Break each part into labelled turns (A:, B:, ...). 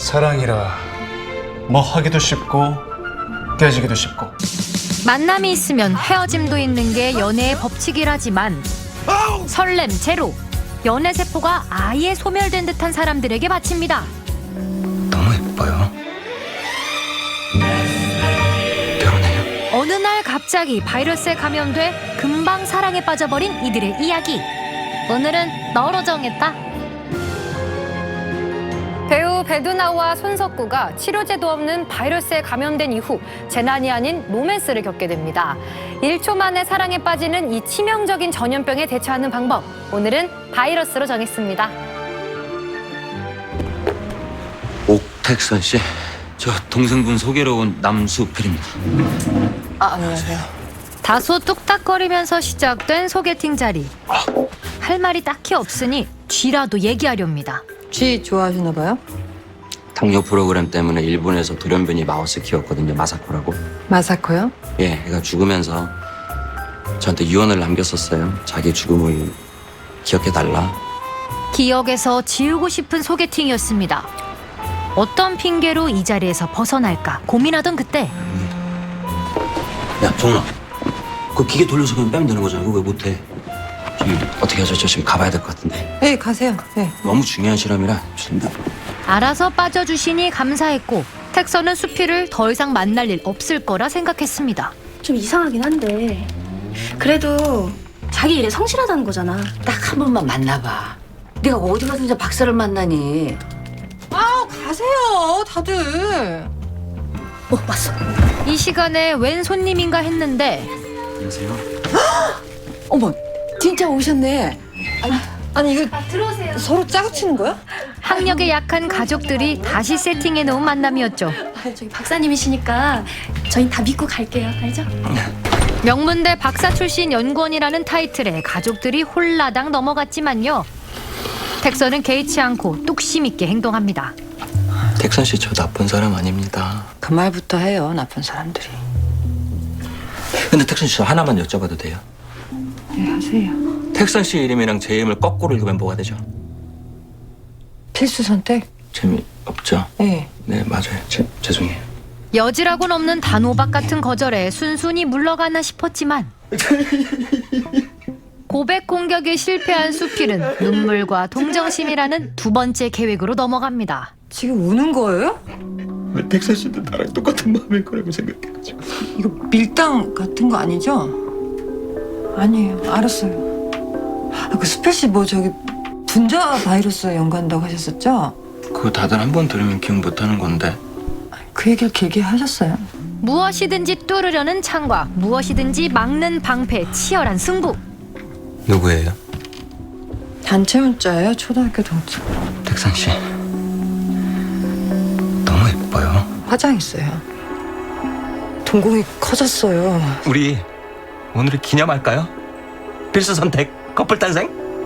A: 사랑이라 뭐 하기도 쉽고 깨지기도 쉽고.
B: 만남이 있으면 헤어짐도 있는 게 연애의 법칙이라지만 설렘 제로, 연애 세포가 아예 소멸된 듯한 사람들에게 바칩니다.
A: 너무 예뻐요. 결혼해요.
B: 어느 날 갑자기 바이러스에 감염돼 금방 사랑에 빠져버린 이들의 이야기. 오늘은 너로 정했다. 배우 배두나와 손석구가 치료제도 없는 바이러스에 감염된 이후 재난이 아닌 로맨스를 겪게 됩니다. 1초 만에 사랑에 빠지는 이 치명적인 전염병에 대처하는 방법. 오늘은 바이러스로 정했습니다.
C: 옥택선 씨, 저 동생분 소개로 온 남수필입니다.
D: 안녕하세요.
B: 다소 뚝딱거리면서 시작된 소개팅 자리. 할 말이 딱히 없으니 쥐라도 얘기하렵니다.
D: 쥐 좋아하시나 봐요?
C: 당뇨 프로그램 때문에 일본에서 돌연변이 마우스 키웠거든요. 마사코라고.
D: 마사코요?
C: 예, 애가 죽으면서 저한테 유언을 남겼었어요. 자기 죽음을 기억해달라.
B: 기억에서 지우고 싶은 소개팅이었습니다. 어떤 핑계로 이 자리에서 벗어날까 고민하던 그때
C: 야, 정훈아. 그 기계 돌려서 그냥 빼면 되는 거잖아. 그거 왜 못해? 저기 어떻게 하죠? 저 지금 가봐야 될 것 같은데.
D: 네, 가세요. 네.
C: 너무 중요한 실험이라 죄송합니다.
B: 알아서 빠져주시니 감사했고 택서는 수피를 더 이상 만날 일 없을 거라 생각했습니다.
E: 좀 이상하긴 한데 그래도 자기 일에 성실하다는 거잖아.
F: 딱 한 번만 만나봐. 네가 어디 가서 이제 박사를 만나니?
D: 가세요, 다들.
E: 왔어.
B: 이 시간에 웬 손님인가 했는데
C: 안녕하세요.
F: 어머, 진짜 오셨네.
D: 아니, 이거
E: 들어오세요.
D: 서로 짜고치는 거야?
B: 학력에 약한 가족들이 다시 세팅해 놓은 만남이었죠.
E: 저기 박사님이시니까 저희 다 믿고 갈게요. 알죠?
B: 명문대 박사 출신 연구원이라는 타이틀에 가족들이 홀라당 넘어갔지만요. 택서는 개의치 않고 뚝심 있게 행동합니다.
C: 택선 씨, 저 나쁜 사람 아닙니다.
F: 그 말부터 해요, 나쁜 사람들이.
C: 근데 택선 씨, 저 하나만 여쭤봐도 돼요?
F: 네, 하세요.
C: 택선 씨 이름이랑 제 이름을 거꾸로 읽으면 뭐가 되죠?
F: 필수 선택?
C: 재미없죠?
F: 네.
C: 네, 맞아요. 죄송해요.
B: 여지라고는 없는 단호박 같은 거절에 순순히 물러가나 싶었지만 고백 공격에 실패한 수필은 눈물과 동정심이라는 두 번째 계획으로 넘어갑니다.
D: 지금 우는 거예요?
A: 왜 택선 씨도 나랑 똑같은 마음일 거라고 생각해가지고.
D: 이거 밀당 같은 거 아니죠? 아니에요. 알았어요. 그 수필 씨 뭐 저기 분자 바이러스에 연관한다고 하셨었죠?
C: 그거 다들 한 번 들으면 기억 못하는 건데.
D: 그 얘기를 길게 하셨어요.
B: 무엇이든지 뚫으려는 창과 무엇이든지 막는 방패, 치열한 승부.
C: 누구예요?
D: 단체 문자예요, 초등학교 동창.
C: 택선 씨. 너무 예뻐요.
D: 화장했어요. 동공이 커졌어요.
G: 우리 오늘을 기념할까요? 필수 선택 커플 탄생?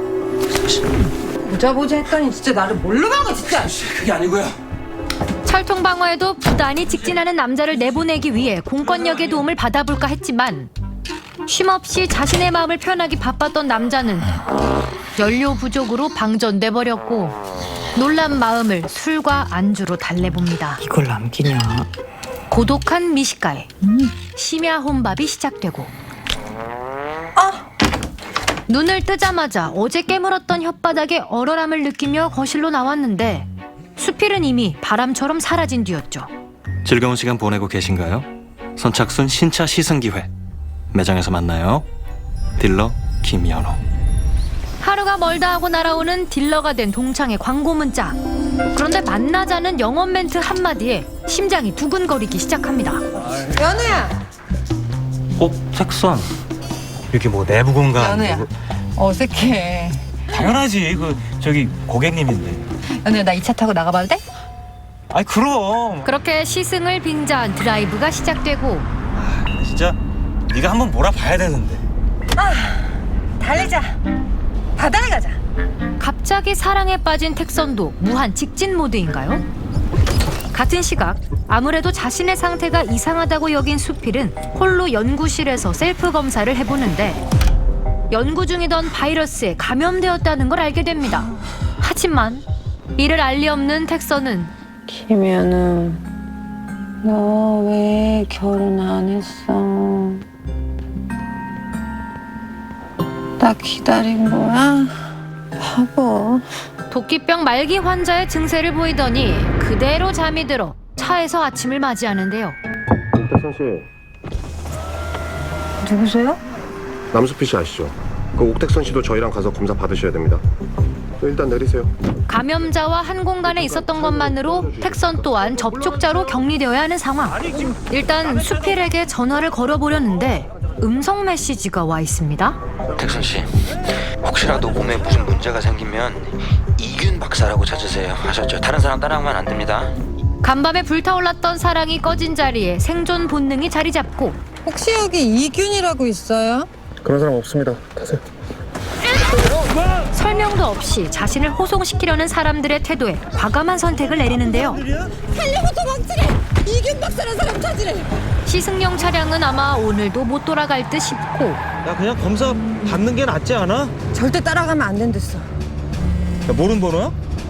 D: 보자 했더니 진짜 나를 뭘로 간 거야, 진짜.
C: 그게 아니고요.
B: 철통 방어에도 부단히 직진하는 남자를 내보내기 위해 공권력의 도움을 받아볼까 했지만 쉼없이 자신의 마음을 표현하기 바빴던 남자는 연료 부족으로 방전돼 버렸고 놀란 마음을 술과 안주로 달래봅니다.
F: 이걸 남기냐?
B: 고독한 미식가에 심야 혼밥이 시작되고 눈을 뜨자마자 어제 깨물었던 혓바닥에 얼얼함을 느끼며 거실로 나왔는데 수필은 이미 바람처럼 사라진 뒤였죠.
G: 즐거운 시간 보내고 계신가요? 선착순 신차 시승 기회. 매장에서 만나요. 딜러 김연호.
B: 하루가 멀다 하고 날아오는 딜러가 된 동창의 광고 문자. 그런데 만나자는 영업 멘트 한마디에 심장이 두근거리기 시작합니다.
D: 연우야.
G: 택선. 여기 뭐 내부 공간.
D: 연우야. 어색해.
G: 당연하지. 저기 고객님인데.
D: 연우야, 나 이 차 타고 나가봐도 돼?
G: 아이 그럼.
B: 그렇게 시승을 빙자한 드라이브가 시작되고
G: 진짜 네가 한번 몰아봐야 되는데.
D: 달리자. 바다에 가자.
B: 갑자기 사랑에 빠진 택선도 무한 직진 모드인가요? 같은 시각 아무래도 자신의 상태가 이상하다고 여긴 수필은 홀로 연구실에서 셀프 검사를 해보는데 연구 중이던 바이러스에 감염되었다는 걸 알게 됩니다. 하지만 이를 알 리 없는 택선은
D: 김현우, 너 왜 결혼 안 했어? 나 기다린 거야? 바보.
B: 도끼병 말기 환자의 증세를 보이더니 그대로 잠이 들어 차에서 아침을 맞이하는데요.
H: 옥택선 씨,
D: 누구세요?
H: 남수피 씨 아시죠? 그 옥택선 씨도 저희랑 가서 검사 받으셔야 됩니다. 일단 내리세요.
B: 감염자와 한 공간에 있었던 것만으로 택선 또한 접촉자로 격리되어야 하는 상황. 일단 수필에게 전화를 걸어보려는데 음성 메시지가 와 있습니다.
C: 택선 씨, 혹시라도 몸에 무슨 문제가 생기면 이균 박사라고 찾으세요. 아셨죠? 다른 사람 따라하면 안 됩니다.
B: 간밤에 불타올랐던 사랑이 꺼진 자리에 생존 본능이 자리 잡고
D: 혹시 여기 이균이라고 있어요?
H: 그런 사람 없습니다. 타세요.
B: 설명도 없이 자신을 호송시키려는 사람들의 태도에 과감한 선택을 내리는데요.
D: 이균 박사라는 사람 찾으래.
B: 시승용 차량은 아마 오늘도 못 돌아갈 듯 싶고
I: 야 그냥 검사 받는 게 낫지 않아?
D: 절대 따라가면 안 된댔어.
I: 야 모르는 번호야?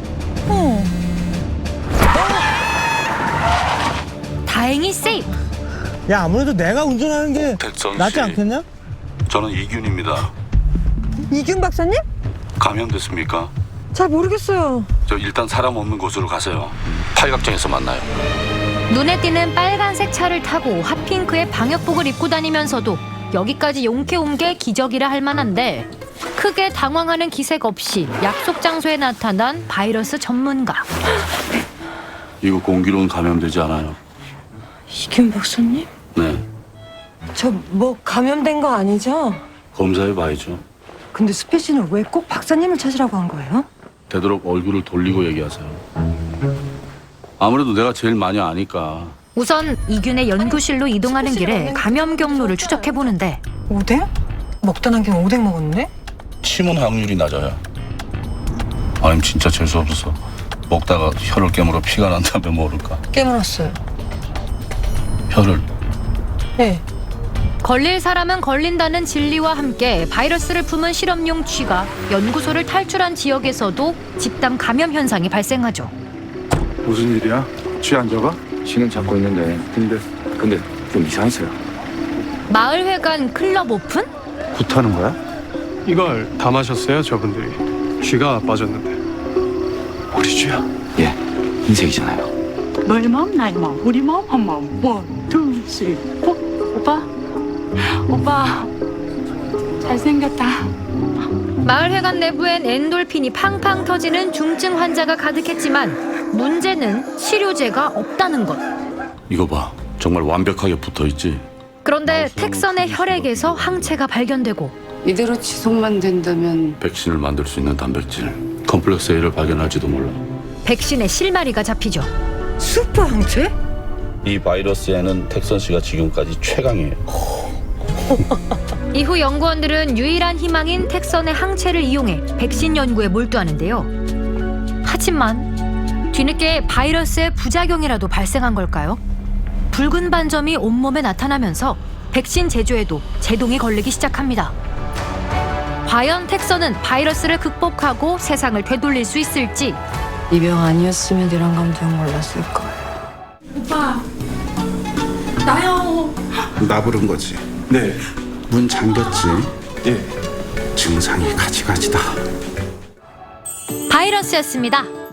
B: 다행히 세이프.
I: 야 아무래도 내가 운전하는 게
J: 택선
I: 낫지
J: 씨,
I: 않겠냐?
J: 저는 이균입니다.
D: 이균 박사님?
J: 감염됐습니까?
D: 잘 모르겠어요.
J: 저 일단 사람 없는 곳으로 가세요. 팔각정에서 만나요.
B: 눈에 띄는 빨간색 차를 타고 핫핑크의 방역복을 입고 다니면서도 여기까지 용케 온 게 기적이라 할 만한데 크게 당황하는 기색 없이 약속 장소에 나타난 바이러스 전문가.
J: 이거 공기로는 감염되지 않아요.
D: 이균 박사님?
J: 네,
D: 저 뭐 감염된 거 아니죠?
J: 검사해봐야죠.
D: 근데 수필 씨는 왜 꼭 박사님을 찾으라고 한 거예요?
J: 되도록 얼굴을 돌리고 얘기하세요. 아무래도 내가 제일 많이 아니까.
B: 우선 이균의 연구실로 이동하는 길에 감염 경로를 추적해 보는데
D: 오뎅? 먹다 남긴 오뎅 먹었네?
J: 침은 확률이 낮아요. 아님 진짜 재수 없어서 먹다가 혀를 깨물어 피가 난다면 모를까.
D: 깨물었어요.
J: 혀를.
D: 네.
B: 걸릴 사람은 걸린다는 진리와 함께 바이러스를 품은 실험용 쥐가 연구소를 탈출한 지역에서도 집단 감염 현상이 발생하죠.
H: 무슨 일이야? 쥐 안 잡아?
A: 쥐는 잡고 있는데 근데 좀 이상했어요.
B: 마을회관 클럽 오픈?
H: 굿하는 거야?
K: 이걸 다 마셨어요, 저분들이. 쥐가 빠졌는데.
A: 우리 쥐야? 예, 흰색이잖아요.
L: 너희 마음 나의 마음 우리 마음 한 마음 원, 투, 쓰리, 포. 오빠 잘생겼다.
B: 마을회관 내부엔 엔돌핀이 팡팡 터지는 중증 환자가 가득했지만 문제는 치료제가 없다는 것.
J: 이거 봐, 정말 완벽하게 붙어있지.
B: 그런데 택선의 혈액에서 항체가 발견되고
F: 이대로 지속만 된다면
J: 백신을 만들 수 있는 단백질 컴플렉스 A를 발견할지도 몰라.
B: 백신의 실마리가 잡히죠.
D: 슈퍼 항체?
J: 이 바이러스에는 택선 씨가 지금까지 최강이에요.
B: 이후 연구원들은 유일한 희망인 택선의 항체를 이용해 백신 연구에 몰두하는데요. 하지만 뒤늦게 바이러스의 부작용이라도 발생한 걸까요? 붉은 반점이 온몸에 나타나면서 백신 제조에도 제동이 걸리기 시작합니다. 과연 택선은 바이러스를 극복하고 세상을 되돌릴 수 있을지.
D: 이 병 아니었으면 이런 감정 몰랐을 거예요.
L: 오빠 나요.
H: 나 부른 거지. 네. 문 잠겼지? 예. 증상이 가지가지다.
B: 바이러스였습니다.